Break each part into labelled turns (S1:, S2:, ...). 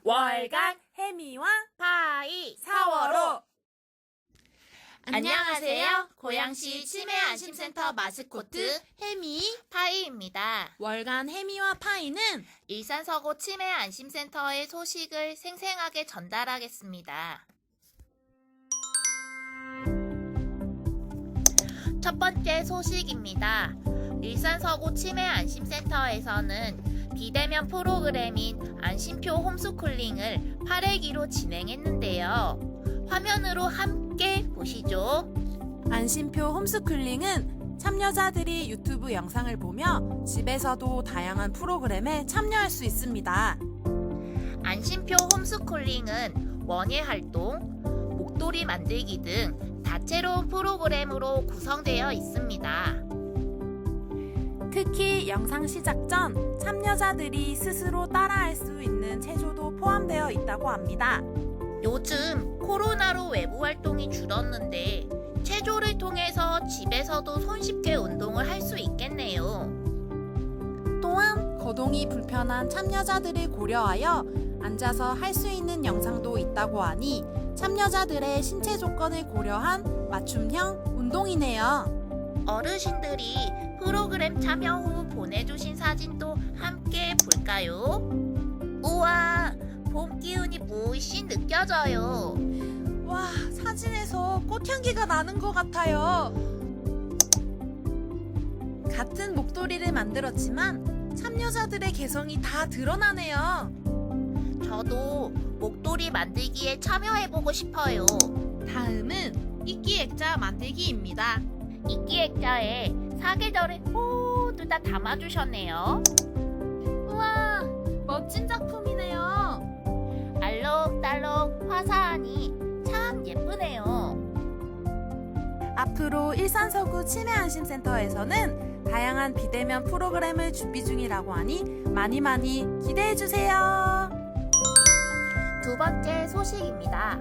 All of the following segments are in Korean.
S1: 월간 해미와
S2: 파이
S1: 4월호.
S2: 안녕하세요. 고양시 치매안심센터 마스코트 해미 파이입니다.
S1: 월간 해미와 파이는
S2: 일산서구 치매안심센터의 소식을 생생하게 전달하겠습니다. 첫 번째 소식입니다. 일산서구 치매안심센터에서는 비대면 프로그램인 안심표 홈스쿨링을 8회기로 진행했는데요. 화면으로 함께 보시죠.
S1: 안심표 홈스쿨링은 참여자들이 유튜브 영상을 보며 집에서도 다양한 프로그램에 참여할 수 있습니다.
S2: 안심표 홈스쿨링은 원예 활동, 목도리 만들기 등 다채로운 프로그램으로 구성되어 있습니다.
S1: 특히 영상 시작 전 참여자들이 스스로 따라할 수 있는 체조도 포함되어 있다고 합니다.
S2: 요즘 코로나로 외부 활동이 줄었는데 체조를 통해서 집에서도 손쉽게 운동을 할 수 있겠네요.
S1: 또한 거동이 불편한 참여자들을 고려하여 앉아서 할 수 있는 영상도 있다고 하니 참여자들의 신체 조건을 고려한 맞춤형 운동이네요.
S2: 어르신들이 프로그램 참여 후 보내주신 사진도 함께 볼까요? 우와, 봄 기운이 물씬 느껴져요.
S1: 와, 사진에서 꽃향기가 나는 것 같아요. 같은 목도리를 만들었지만 참여자들의 개성이 다 드러나네요.
S2: 저도 목도리 만들기에 참여해보고 싶어요.
S1: 다음은 이끼 액자 만들기입니다.
S2: 이끼 액자에 사계절을 모두 다 담아주셨네요.
S1: 우와, 멋진 작품이네요.
S2: 알록달록 화사하니 참 예쁘네요.
S1: 앞으로 일산서구 치매안심센터에서는 다양한 비대면 프로그램을 준비 중이라고 하니 많이 기대해주세요.
S2: 두 번째 소식입니다.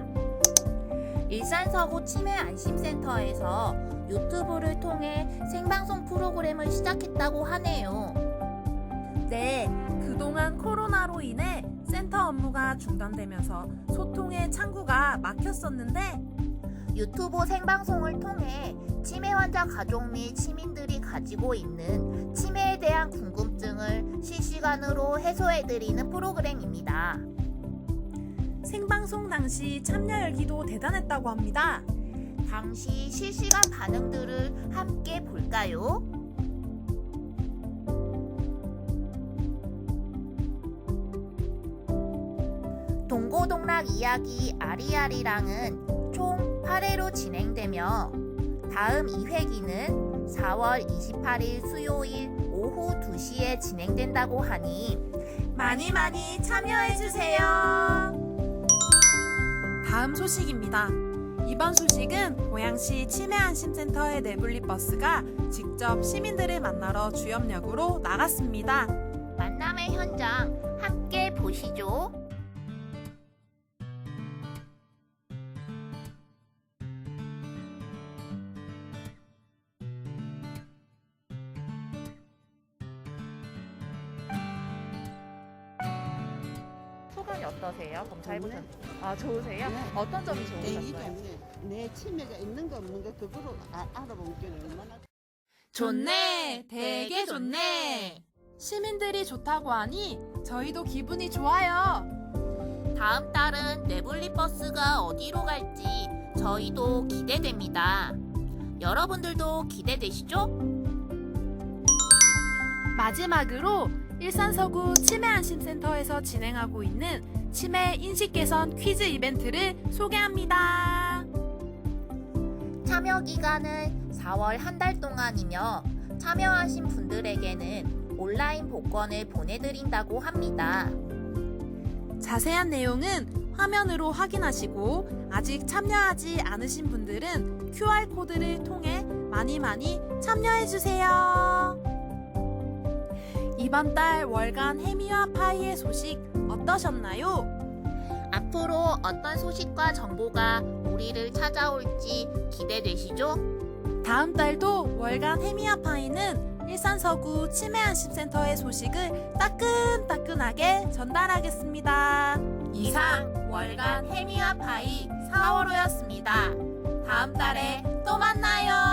S2: 일산서구 치매안심센터에서 유튜브를 통해 생방송 프로그램을 시작했다고 하네요.
S1: 네, 그동안 코로나로 인해 센터 업무가 중단되면서 소통의 창구가 막혔었는데
S2: 유튜브 생방송을 통해 치매 환자 가족 및 시민들이 가지고 있는 치매에 대한 궁금증을 실시간으로 해소해드리는 프로그램입니다.
S1: 생방송 당시 참여 열기도 대단했다고 합니다.
S2: 당시 실시간 반응들을 함께 볼까요? 동고동락 이야기 아리아리랑은 총 8회로 진행되며 다음 2회기는 4월 28일 수요일 오후 2시에 진행된다고 하니
S1: 많이 참여해주세요. 다음 소식입니다. 이번 소식은 고양시 치매안심센터의 내분리 버스가 직접 시민들을 만나러 주염역으로 나갔습니다.
S2: 만남의 현장 함께 보시죠. 소감이 어떠세요? 검사해보셨나요? 아, 좋으세요?
S3: 네.
S2: 어떤 점이
S3: 내 일이
S2: 좋으셨어요?
S3: 없네. 내 치매가 있는 거 없는 거 그거로 알아본 게 얼마나
S1: 좋네, 되게 좋네. 시민들이 좋다고 하니 저희도 기분이 좋아요.
S2: 다음 달은 내분리 버스가 어디로 갈지 저희도 기대됩니다. 여러분들도 기대되시죠?
S1: 마지막으로 일산서구 치매안심센터에서 진행하고 있는 치매 인식 개선 퀴즈 이벤트를 소개합니다.
S2: 참여 기간은 4월 한 달 동안이며 참여하신 분들에게는 온라인 복권을 보내드린다고 합니다.
S1: 자세한 내용은 화면으로 확인하시고 아직 참여하지 않으신 분들은 QR코드를 통해 많이 참여해주세요. 이번 달 월간 해미와 파이의 소식 어떠셨나요?
S2: 앞으로 어떤 소식과 정보가 우리를 찾아올지 기대되시죠?
S1: 다음 달도 월간 해미와 파이는 일산서구 치매안심센터의 소식을 따끈따끈하게 전달하겠습니다. 이상 월간 해미와 파이 4월호였습니다. 다음 달에 또 만나요.